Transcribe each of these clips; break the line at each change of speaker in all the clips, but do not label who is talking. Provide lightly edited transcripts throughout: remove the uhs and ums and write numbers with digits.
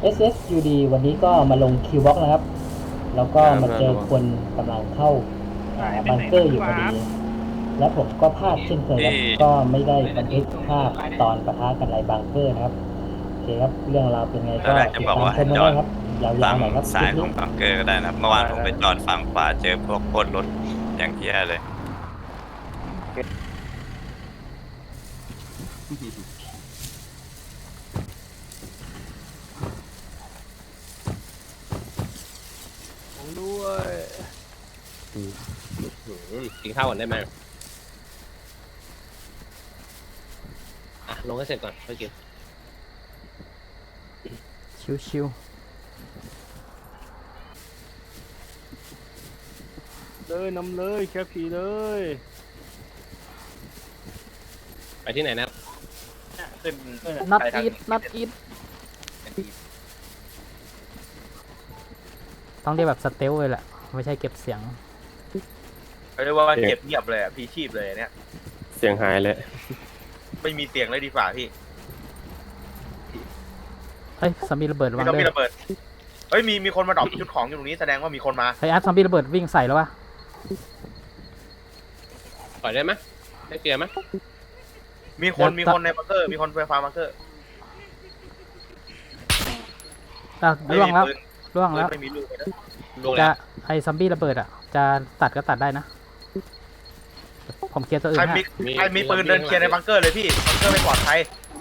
SSUD วันนี้ก็มาลงคิวบ็อกนะครับ แล้วก็มาเจอคนกำลังเข้าบังเกอร์อยู่พอดี แล้วผมก็พลาดเช่นเคยครับก็ไม่ได้บันทึกภาพตอนปะทะกันในบังเกอร์นะครับโอเคครับเรื่องราวเป็นไงก็ติดตามชมได้ครับยาวๆหน่อยครับ
ซ้ายของบังเกอร์ก็ได้นะครับเมื่อวานผมไปจอดฝั่งขวาเจอพวกโคตรรถอย่างเที่ยเลย
ผมด้วยกินข้าวก่อนได้ไหมลงให้เสร็จก่อนค่อยกิน
ชิว
เลยนำเลยแค่ผีเลย
ไปที่ไหนนะ
ขึ้น
ๆนัดอีทต้องเรียกแบบสเตลเลยแหละ ไม่ใช่เก็บเสียง
เรียกว่าเก็บเงียบเลยอ่ะพีชีพเลยเนี่ย
เสียงหายเลย
ไม่มีเสียงเลยดีกว่าพี่
เฮ้ยซอมบี้ระเบิดระวั
ไม่
ง
ต้อง
ด้ว
มี
ย
ระเบิดเฮ้ยมีคนมาดรอปชุดของอยู่ตรงนี้แสดงว่ามีคนมา
เฮ้ยอาร์ตซอมบี้ระเบิดวิ่งใส่แล้ววะ
ปล่อยได้ไหมได้เกียร์ไหม
มีคนในบังเกอร์มีคนไฟฟ้าบังเกอร์
ล่วงแล้ว
ปืน
ล่วงแล้ว
ไม่มีลูกเลยนะ
ลง
จะ
แล้ว
ไอซอมบี้ระเบิดอ่ะ จะตัดก็ตัดได้นะ ผมเคลียร์ตัวอื่
ใคร
นให้
มีปืนเดินเคลียร์ในบังเกอร์เลยพี่บังเกอร์ไม่ปลอดภัย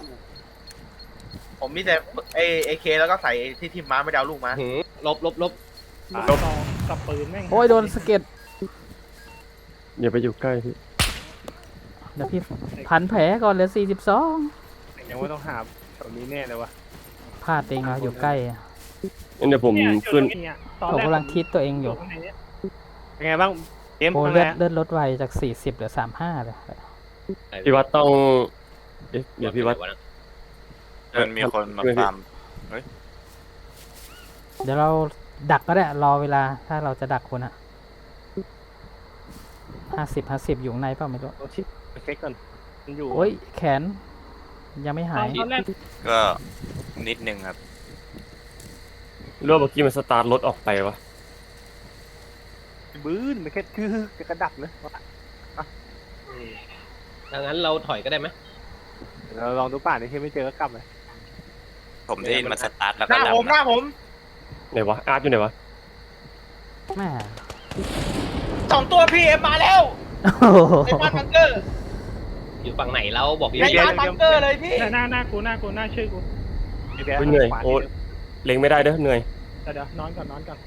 ผมมีแต่เอเคแล้วก็ใส่ที่ทิมม้าไม่ได้เอาลูกมา
ลบ
กับปืนแม่ง
โอ้ยโดนสะเก็ด
อย่าไปอยู่ใกล้พี่
เดี๋ยวพี่พันแผลก่อนเหลือ42
ยังไม่ต้องหาแถวนี้แน่เลยวะ
พลาดเองนะอยู่ใกล้
งั้นเดี๋ยวผมขึ้น
ผมกำลังคิดตัวเองอยู่
เป็นไงบ้างเกม
โอ้
ทำไง
เลือดลดไวจาก40เหลือ35เลย
พี่วัดต้องเดี๋ยวพี่วัด
มันมีคนมาฟาร์ม
เดี๋ยวเราดักก็ได้รอเวลาถ้าเราจะดักคนอะ50อยู่ข้างในเปล่าไม่รู้
โอ้ชิเช็คก่อนมันอยู่
โอ้ยแขนยังไม่หาย
ตอนแรก
ก็นิดนึงครับ
รู้ว่าเมื่อกี้มันสตาร์ทรถออกไปวะ
บื้นไม่แค่คือจะกระดับเลย
ดังนั้นเราถอยก็ได้ไหม
เราลองดูป่านนี้ที่ไม่เจอก็กลับเลย
ผมได้ยินมันสตาร์ทแล้ว
ห
ก็
น้า
ดับ
ผมหน้าผม
ไหนวะอาร์ตอยู่ไหนวะ
แม่
2 ตัวพีเอ็มมาแล้ว
โอ้โห
ในบ้านบังเกอร์
อยู่ฝั่งไหนเราบอกพี่
ในบ้านบังเกอร์เลยพี่
หน้ากูหน้าชื่อกู
เหนื่อยโอ้เล็งไม่ได้เด้อเหนื่อย
เดี๋ยวนอนก่อน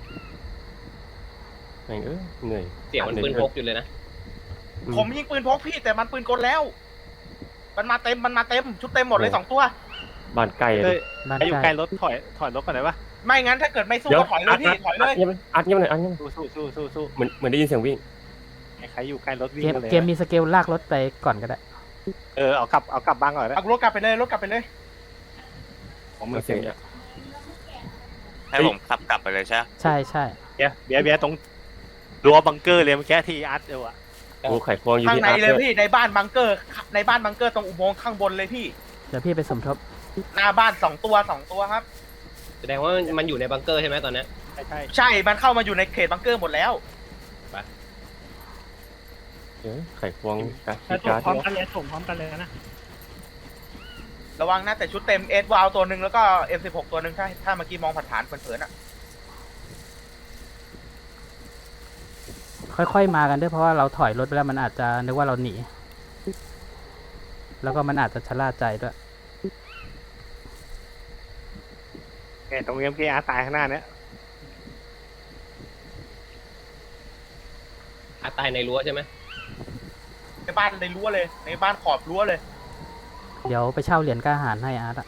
แม่งเหนื่อย
เสียงมันปืนพกอยู่เลยนะ
ผมยิงปืนพกพี่แต่มันปืนกลแล้ว มันมาเต็มชุดเต็มหมดเลย2 ตัว
บ้านใกล้เลย
บ้าน
ไอ้อยู่
ใก
ใก
ล้
ล้รถถอยรถก่อนได้ปะ
ไม่งั้นถ้าเกิดไม่สู้
เดี๋ยว
ก็ถอยเลยพี่ถอยเลย
อาร์ตเงียบหน่อยอาร์ตเงียบ
สู้
เหมือนได้ยินเสียงวิ่ง
ใครอยู่ใกล้รถวิ่งเลย
เกมมีสเกลลากรถไปก่อนก็ได้
เอากลับบ้านก่อนนะ
เอารถกลับไปเลย
ผมมือ
เสียงเนี่ย
ให้ผมขับกลับไปเลยใช่ไหม
ใช่ใช่
เบียร์ตรงรั้วบังเกอร์เลยเมื่อกี้ที่อาร์ตเดียวอะ
โอ้ไข่ควงอยู่
ข้าง
ที่
ใน
อาร์ต
เลย
ด้วย
พี่ในบ้านบังเกอร์ตรงอุโมงค์ข้างบนเลยพี่
เดี๋ยวพี่ไปสมทบ
หน้าบ้าน2 ตัวครับ
แสดงว่ามันอยู่ในบังเกอร์ใช่ไหมตอนนี้
ใช่
ใช่มันเข้ามาอยู่ในเขตบังเกอร์หมดแล้ว
ไข่ควงการ
ถ้า
การ์ด
พร้อมกันเลยส่งพร้อมกันเลยนะ
ระวังนะแต่ชุดเต็มเอสวาวตัวหนึ่งแล้วก็ M16 ตัวหนึ่งถ้าเมื่อกี้มองผ่านๆเผินๆอ่ะ
ค่อยๆมากันด้วยเพราะว่าเราถอยรถไปแล้วมันอาจจะนึกว่าเราหนี แล้วก็มันอาจจะชะล่าใจด้วย
ตรงนี้เมื่อกี้อาร์ตตายข้างหน้าเนี้ย
ตายในรั้วใช่ไหม
ในบ้านในรั้วเลยในบ้านขอบรั้วเลย
เดี๋ยวไปเช่าเหรียญกล้าหาญให้อาร์ตอะ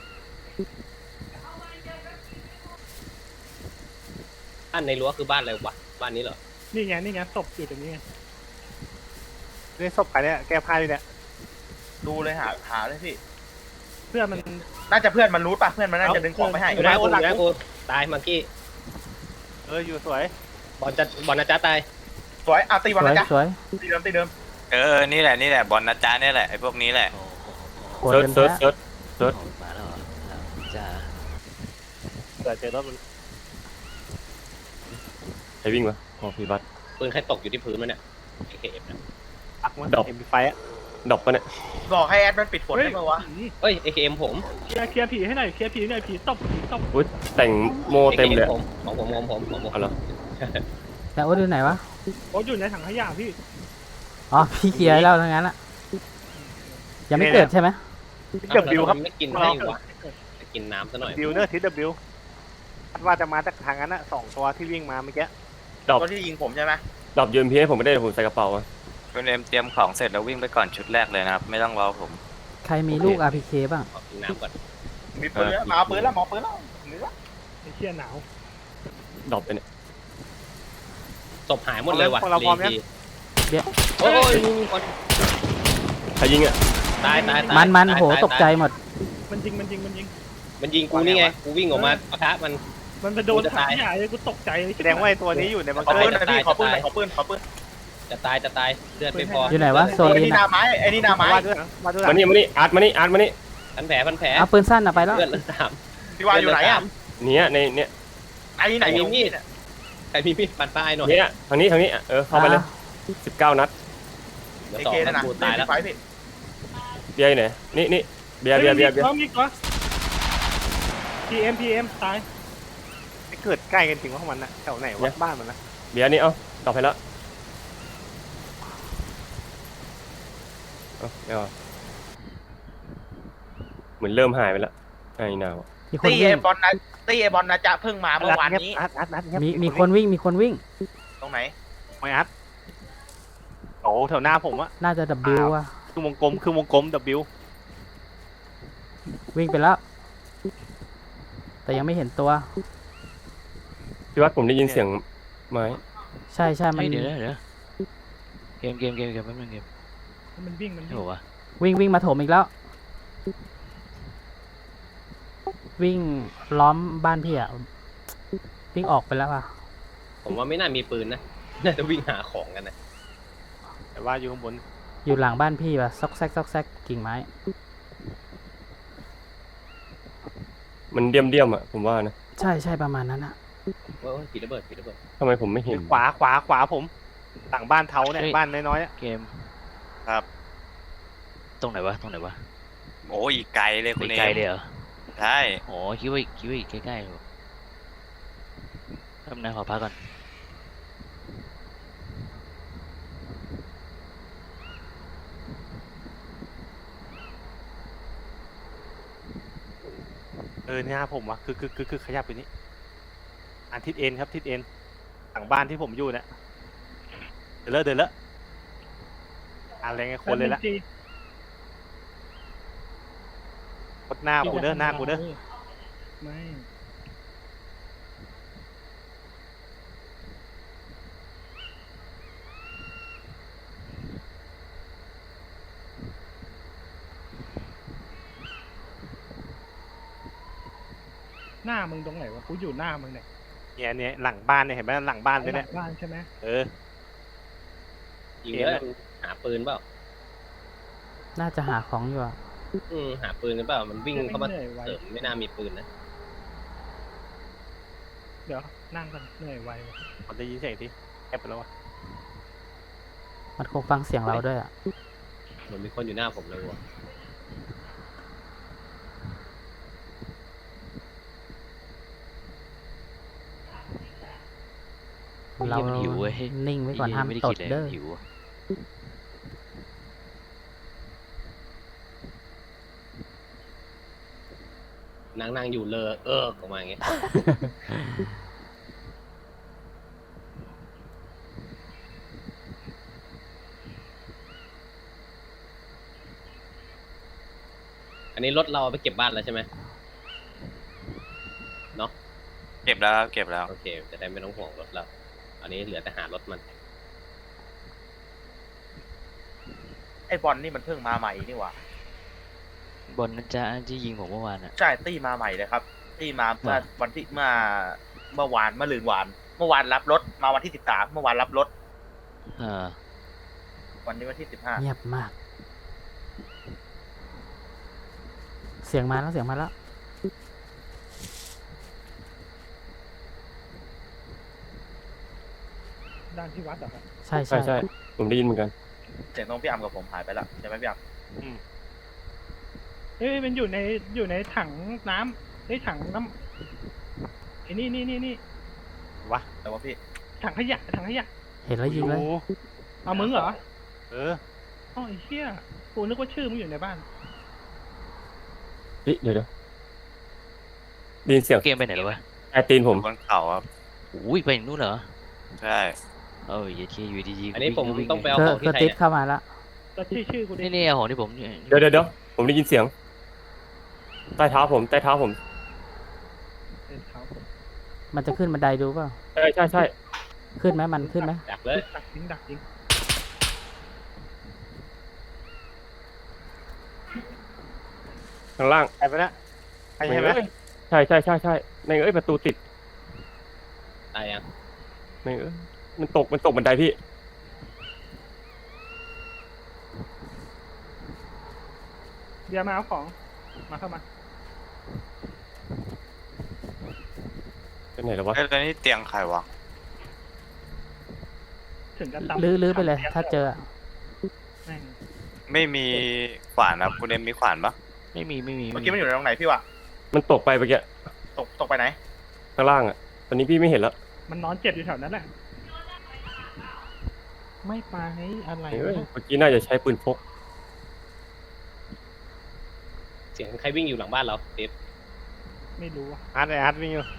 บ้านในรั้วคือบ้านอะไรวะบ้านนี้เหรอ
นี่ไงศพอยู่ตรงนี้ไงนี่ศพใครเนี่ยแก้ผ้าดิเนี่ย
ดูเลยหาเลยพี่
เพื่อนมัน
น่าจะเพื่อนมันรู้ป่ะเพื่อนมันน่าจะดึงของไปให้
อยู่หน้ากูตายมังกี้
อยู่สวย
บอลนะจ๊ะตาย
สวยตี
ส
บอล
วย
นะจ๊ะ
สวย
ตีเดิม
นี่แหละบอลนะจ๊ะนี่แหละไอ้พวกนี้แหละ
ปวด
เซิร์ช
เป็น
เซิร์ช
แพ้
เซิร์ช
มาแล้วจ้า
ผื่อเจอรถมัน
ใครวิ่งวะอ๋อพี่บัส
ปืนใครตกอยู่ที่พื้นมันเนี่ย AKM นะ
ปักมัน
ดอก
เอ็มไฟอะ
ดอกปะเนี่ย
บอกให้แอดมันปิดฝนได้ไหมวะ
เอ้ย AKM ผม
เคลียร์ผีให้หน่อยเคลียร์ผีหน่อยผีตบผีตบ
อุ้ยแต่งโมเต็มเลย
AKM ผมของผม
เอาละ
แต่โอ๊ตอยู่ไหนวะ
โอ้อยู่ในถังขยะพี่
อ๋อพี่เคลียร์ให้เราทั้งนั้นอะยังไม่เกิดใช่ไหม
ทิศบิวครับ
ไม่กินให้วะจะกินน้ำซะหน่อย
บิวเนอร์ทิศบิวคาดว่าจะมาจากทางนั้นอะ2 ตัวที่วิ่งมาเมื่อกี้
ดอก
ตัวที่ยิงผมใช่ไหม
ดอกยืมพีให้ผมไม่ได้เดี๋ยวผมใส่กระเป๋าอะ
คุณเอ็มเตรียมของเสร็จแล้ววิ่งไปก่อนชุดแรกเลยนะครับ ไม่ต้องรอผม
ใครมีลูก RPK บ้าง
ขอกินน้ำก่อน
มีปืนแล้วมาเอาปืนแล้วมาเอาปืนแล้วหรือว่า
ไอ้เชี่ยหนาว
ดอกไปเนี่ย
ศพหายหมดเลยว่ะ
พวกเราพร้อมยัง
โอ้ยมีคน
ใครยิงอ่ะ
ตาย
มันโหตกใจหมด
มันยิง
มันยิงกูนี่ไง กูวิ่งออกมาปะทะมัน
มันไปโดนถังขยะเลยกูตกใจเลยแสดงว่าไอ้ตัวนี้อยู่ในบัง
ขอ
เกอ
ปืน
ร์
หน่อยพี่ขอปืนหน่อยขอปืนขอปืน
จะตายเลือดไม่พอ
อยู่ไหนวะโซ
ไอ้
ลิน
นี่ห
อะ
นาไม้ไอ้นี่หนาไม้
มาด้วยนะมาด้วย
มานี่อาร์ตมานี่
พันแผล
เอาปืนสั้นอะไปแล้ว
เลือดสาม
พี่วาอยู่ไหนอ่ะ
เนี่ยในเนี่ย
ไอ้นี่ไหน
ใคร
อ
มี
ยู่
มีดใครมีมีดปันป้ายหน่อย
เนี่ยทางนี้อ่ะเข้าไปเลย19 นัด
เดี๋ยว
ไอ
สอง
เคนั่น
นั
น่ะ
ดกูตายแล้ว
ไฟพี่
เบียร์อยู่ไหนนี่เบียร์
น้องมีก็ PM ตายเกิดใกล้กันจริงว่ามันนะแถวไหนวะบ้านมันนะ
เบียร์นี่เอาตอบให้แล้วไม่เอาเหมือนเริ่มหายไปแล้วไอ้นาว
มีคน
ตี
วิ่
ไอง บอลนะตีไอบอลนะจะเพิ่งมาเมื่อวานนี้
อัด
มีคนวิ่งมีคนวิ่ง
ตรงไหน
ไม่อัดโอ้แถวหน้าผมอะ
น่าจะ W อะ
คือวงกลม W
วิ่งไปแล้ว แต่ยังไม่เห็นตัว
พี่วัดผมได้ยินเสียงไม้
ใช่มัน
เดี๋ยวเกมแป๊บนึงเกม
มันวิ่ง
โอ้วะ
วิ่งมาโถมอีกแล้ว วิ่งล้อมบ้านพี่อะวิ่งออกไปแล้วอะ
ผมว่าไม่น่ามีปืนนะ น่าจะวิ่งหาของกันนะ
แต่ว่าอยู่ข้างบน
อยู่หลังบ้านพี่ปะซอกแซกกิ่งไม้
มันเดี่ยมอ่ะผมว่านะ
ใช่ประมาณนั้นอะ
โอ้ยผีระเบิด
ทำไมผมไม่เห็น
ขวาผมหลังบ้านเท้าเนี่ยบ้านน้อยๆอะ
เกม
ครับ
ตรงไหนวะ
โอ้ยอีกไกลเลย
ไป
คุณเอ็
ไกล
ม
เลยเหรอ
ใช่
โอ้คิดว่าอีกใกล้ๆอยู่แป๊บนึงขอพักก่อน
เนี่ยผมวะคือขยับไปนี้อันทิศเอ็นครับทิศเอ็นหลังบ้านที่ผมอยู่เนี่ยเดินแล้วอะไรไงคนเลยละกดหน้ากูเด้อไม่หน้ามึงตรงไหนวะกูอยู่หน้ามึงเนี่ยหลังบ้านเนี่ยเห็นไหมหลังบ้านเลยเนี่ยบ้านใช่ไหม
ยิงเยอะหาปืนเปล่า
น่าจะหาของอยู่อะ
หาปืนกันเปล่า มันวิ่งเข้ามาเสริมไม่น่ามีปืนนะ
เดี๋ยวนั่งกันเหนื่อยไวผมได้ยินเสียงที่แอบไปแล้ววะ
มันคงฟังเสียงเราด้วยอะ
เหมือนมีคนอยู่หน้าผมเลยว่ะ
เรา
มันหิวเว้ย
นิ่งไว้ก่อนห้าม
ไม่ได้
ต
คิ
ด
ดเลย
เด้อ
หิว
นั่งอยู่เลอออกมาอย่างเงี้ย อันนี้รถเราเอาไปเก็บบ้านแล้วใช่ไหม
เก็บแล้วครับเก็บแล้ว
โอเค จะได้ไม่ต้องห่วงรถเรา อันนี้เหลือแต่หารถมัน
ไอบอลนี่มันเพิ่งมาใหม่นี่หว่า
บอลนั่นจะที่ยิงผมเมื่อวานอ่ะ
ใช่ตีมาใหม่เลยครับตีมาเมื่อวันที่เมื่อวานเมื่อลืนวานเมื่อวานรับรถมาวันที่13เมื่อวานรับรถ วันนี้วันที่15
เงียบมาก เสียงมาแล้ว
ด้านที่วัดเหรอครับ
ใช่
ใช่
ใช่
ใช่ผมได้ยินเหมือนกัน
เสียงตรงพี่อัมกับผมหายไปแล้วใช่ไหมพี่อัม
เอ้ยมันอยู่ในถังน้ำถังน้ำไอ้นี่
วะ
แต่ว่าพี่
ถังขยะ
เห็นแล้วยิงเลย
เอามึงเหรอ
เออ
อ๋อไอ้เหี้ยกูนึกว่าชื่อมึงอยู่ในบ้าน
เฮ้ยเดี๋ยวได้ยินเสียง
เกมไปไหนแล้ววะ
แอร์ตีน
อ
ผม
ยู่บนเขาครับ
อุ้ยไปถึงนู่นเหรอ
ใช่
เอออย่าเทียอยู่ดีๆ
อันนี้ผม
วิ่
ต้องไปเอา
เธ
ข
อ
อง
เธ
ที่
อ
ใคร
ติด
เนี่ย
เข้ามาแล้ว
ก็ชื่อกูดิ
นี่เอาของที่ผม
เดี๋ยวผมได้ยินเสียง ใต้เท้าผม
เท้าผม
มันจะขึ้นบันไดดูเปล่า
ใช่
ขึ้นไหมมันขึ้นไหม
ดักเลย
ดักยิง
ข้างล่าง
ใครไปนะใครใช่ไหม
ใช่ในเอ้ยประตูติด
ตายยัง
ในเอ้ยมันตกบันไดพี่
เดี๋ยวมาเอาของเข้ามา
เป็นไหนแล้ววะ
เอ้ยแล้วนี่เตียงใครวะ
ถึงกันตาม
ลื้อไปเลย ถ้าเจอ
แม่ง
ไม่มีขวานครับคุณเอ็มมีขวานปะ
ไม่มี
เมื่อกี้มันอยู่ตรงไหนพี่วะ
มันตกไปเมื่อกี้
ตกไปไหน
ข้างล่างอ่ะ ตอนนี้พี่ไม่เห็นแล้ว
มันนอนเจ็บอยู่แถวนั้นแหละไม่ไปอะไร
เอ้ยเมื่อกี้น่าจะใช้ปืนพก
เสียงใครวิ่งอยู่หลังบ้านเราเดฟ
ไม่รู้อะ
อาร์ตวิ่งอยู่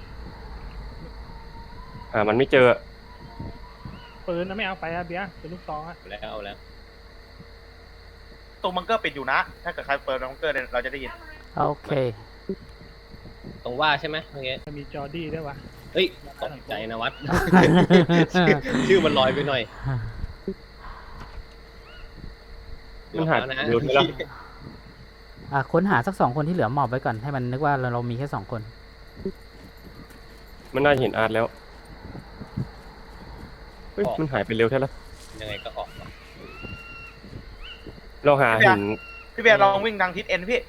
มันไม่เจอ
ปืนนะไม่เอาไปอะเบียร์เป็นลูกซองอะ
เอาแล้ว
ตรงบังเกอร์ปิดอยู่นะ ถ้าเกิดใครเปิดบังเกอร์เนี่ยเราจะได้ยิน
โอเค
ตรงว่าใช่ไหมเมื่อกี้
จะมีจอร์ดี้ด้วยวะ
เฮ้ยตกใจนะวัด ชื่อมันลอยไปหน่อย
มันหาย
เดี๋ยวนะ
เดี๋ยวนี้แล้ว
ค้นหาสัก2 คนที่เหลือหมอบไว้ก่อน ให้มันนึกว่าเรามีแค่2 คน
มันน่าจะเห็นอาร์ตแล้ว เฮ้ย มันหายไปเร็วแท้แล้ว
ยังไงก็ออกว่ะ
เราหาหิน
พี่เบียร์ลองวิ่งทางทิศเอ็นพี่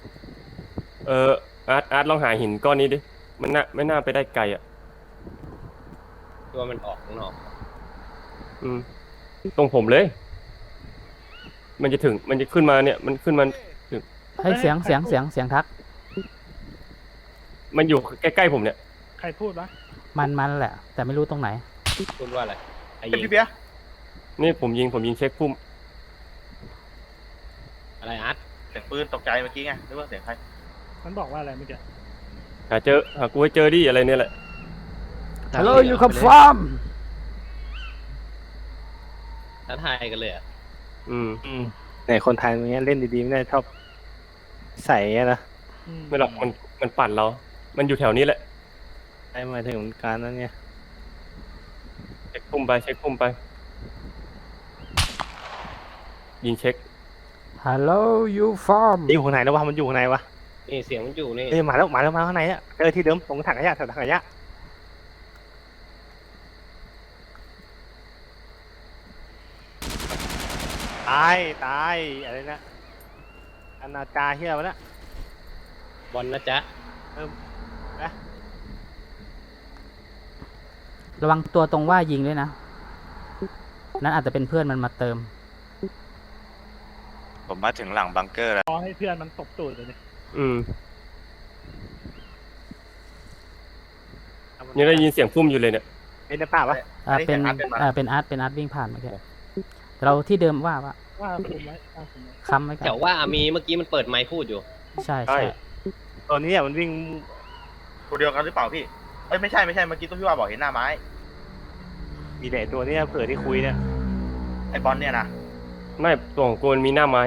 อาร์ตลองหาหินก้อนนี้ดิ มันไม่น่าไปได้ไกลอ่ะ
ตัวมันออกข้างนอก
ตรงผมเลย มันจะขึ้นมาเนี่ย มันขึ้นมา
ให้เสียงทัก
มันอยู่ใกล้ๆผมเนี่ย
ใครพูดวะ
มันแหละ แต่ไม่รู้ตรงไหน
พูดว่าอะไรไอ้
เป็น
ยิง
พี่เบียร์
นี่ผมยิงเช็คพุ่ม
อะไรอาร์ต
เสียงปืนตกใจเมื่อกี้ไงนึกว่าเสียงใคร
มันบอกว่าอะไรเมื่อกี้
หากูให้เจอดิอะไรเนี่ยแหละ
Hello you confirm
ท้าทายกันเลยอ่ะ
ไหนคนไทยมันเนี้ยเล่นดีๆไม่ได้ชอบใส่อะนะ
ไม่หรอกมันปั่นเรา มันอยู่แถวนี้แหละ
ไอ้หมายถึงการนั้นเนี่ย
เช็คพุ่มไปยิงเช็ค
Hello you farm
อยู่ข้างในแล้ววะมันอยู่ข้างในวะ
นี่เสียงมันอยู่นี่
เอ้ยมาแล้วข้างในอ่ะเจอที่เดิมตรงถังขยะแถวถังขยะตายอะไรนะอนาจาเฮียวะนะ
บอลนะจ๊ะ
ระวังตัวตรงว่ายิงด้วยนะ นั้นอาจจะเป็นเพื่อนมันมาเติม
ผมมาถึงหลังบังเกอร์แล้ว
รอให้เพื่อนมันตบตูดเลยดิ
ยังได้ยินเสียงพุ่มอยู่เลยเนี่ย
เป็นในป่าวะ
เป็นอาร์ตวิ่งผ่านเมื่อกี้เราที่เดิมว่า
ว่าผมไว้
ค้ำไว้ก่อ
แถ
น
วว่ามีเมื่อกี้มันเปิดไมค์พูดอยู่
ใช่
ตัวนี้อ่ะมันวิ่ง
ตัวเดียวกันหรือเปล่าพี่ เอ้ยไม่ใช่เมื่อกี้ตัวพี่ว่าบอกเห็นหน้าไม้
มีแต่ตัวเนี้ยเผื่อที่คุยเนี่ย
ไอ้บอลเนี่ยนะ
ไม่ตัวของกูมันมีหน้าไม้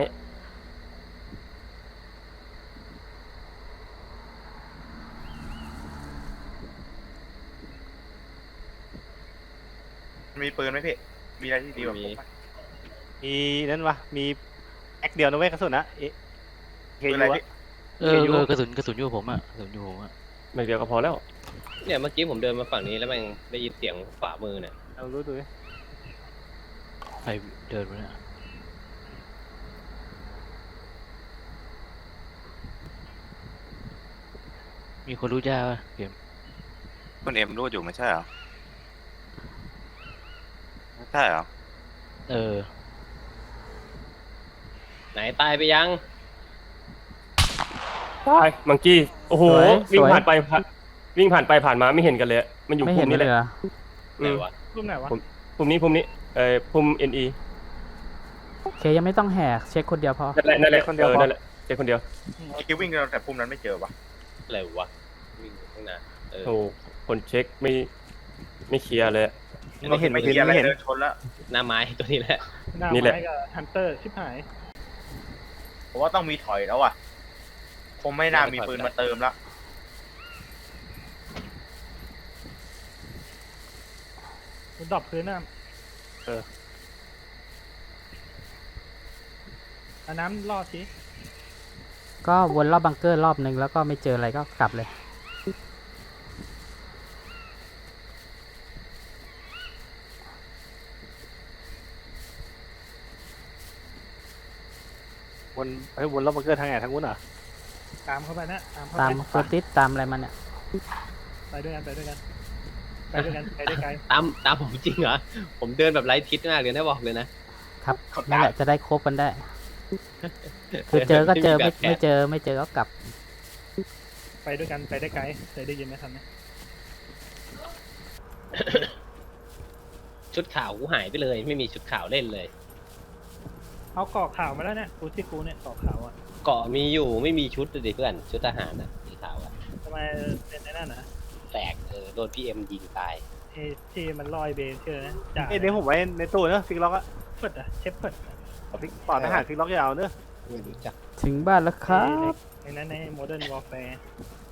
มีปืนไหมพี่ มีอะไรที่ดีกว่าผมไหม
มีนั่นวะมีแอคเดียวนะเว้ยกระสุนนะเอ๊ะเฮ
ปืน
ยู
อะไร
อะ
พี่
กระสุนอยู่กับผมอะกระสุนอยู่ผมอะ
ไม่เดียวก็พอแล้ว
เนี่ยเมื่อกี้ผมเดินมาฝั่งนี้แล้วแม่งได้ยินเสียงขวามือเนี่ย
เรารู้ตัวไหม
ใครเดินมาเนี่ยมีคนรู้จ้าป่ะเกม
คุณเอ็มรู้อยู่ไม่ใช่เหรอใช่เหรอ
เออ
ไหนตายไปยัง
ตายมังกี้โอ้โห
สวย
วิ่งผ่านไปผ่านมาไม่เห็นกันเลยมันอยู่
ไม่
ภู
เห็น
มินี้
เล
แห
ย
ละ
เหรอ
ไหนวะ
รูปไหนวะ
ภูมินี้ภูมิ NE
เคยังไม่ต้องแหกเช็คคนเดียวพอ
นั่นแหละ
คนเดียวพอ
นั่นแหละเจ๊คนเดียว
เมื่อกี้วิ่งแต่พุ่มนั้นไม่เจอวะ
อะไรวะวิ่งอยู่ข้างหน้าเออ
โอ้คนเช็คไม่เคลียร์เลย
ไม่เห็น
ไม่
ไม่
เห็
เห็
น
น
อะไร
ไม่เห็น
เดินชนแล้ว
หน้าไม้ตัวนี้แหละ
หน้า
นี่แหละ
ไม้กับฮันเตอร์ชิบหาย
ผมว่าต้องมีถอยแล้วอ่ะคงไม่น่ามีปืนมาเติมแล้ว
มันดรอปพื้นน้ำเอาน้ำรอดสิ
ก็วนรอบบังเกอร์รอบนึงแล้วก็ไม่เจออะไรก็กลับเลย
วนรอบบังเกอร์ทางไหนทางนู้นเหรอ
ตามเข้าไปนะตามเข้า
ตาม
ไป
เฟอร์ติสตามอะไรมันเนี่ย
ไปด้วยกันไปด้วยกันไปด้วยกันไปได้ไกล
ตามผมจริงเหรอ ผมเดินแบบไร้ทิศมากเลยนะบอกเลยนะ
ครับนั่นแหละจะได้ครบกันได้ คือเจอก็เจอไม่เจอก็กลับ
ไปด้วยกันไปได้ไกลเคยได้ยินไหมทันไหม
ชุดขาวกูหายไปเลย ไม่มีชุดขาวเล่นเลย
เอาเกาะข่าวมาแล้วเนี่ยกูที่กูเนี่ยเกาะข่าวอ่ะ
เกาะมีอยู่ไม่มีชุดเลยดิเพื่อนชุดทหารนะสีขาวอะ
ทำไมเป็นในนั่นนะ
แตกโดนPMยิงตาย
ไอ้ที่มันลอยเบนเชื่อนะจ่า
เอ้ยนี่ผมไว้ในตู้เนอะฟิกล็อกอะ
เปิดอะเชฟเปิด
ฟิกปอดทหารฟิกล็อกยาวเนอะ
ไม่รู้จัก
ถึงบ้านแล้วครับ
ในนั้นในโมเดิร์นวอลแฟร์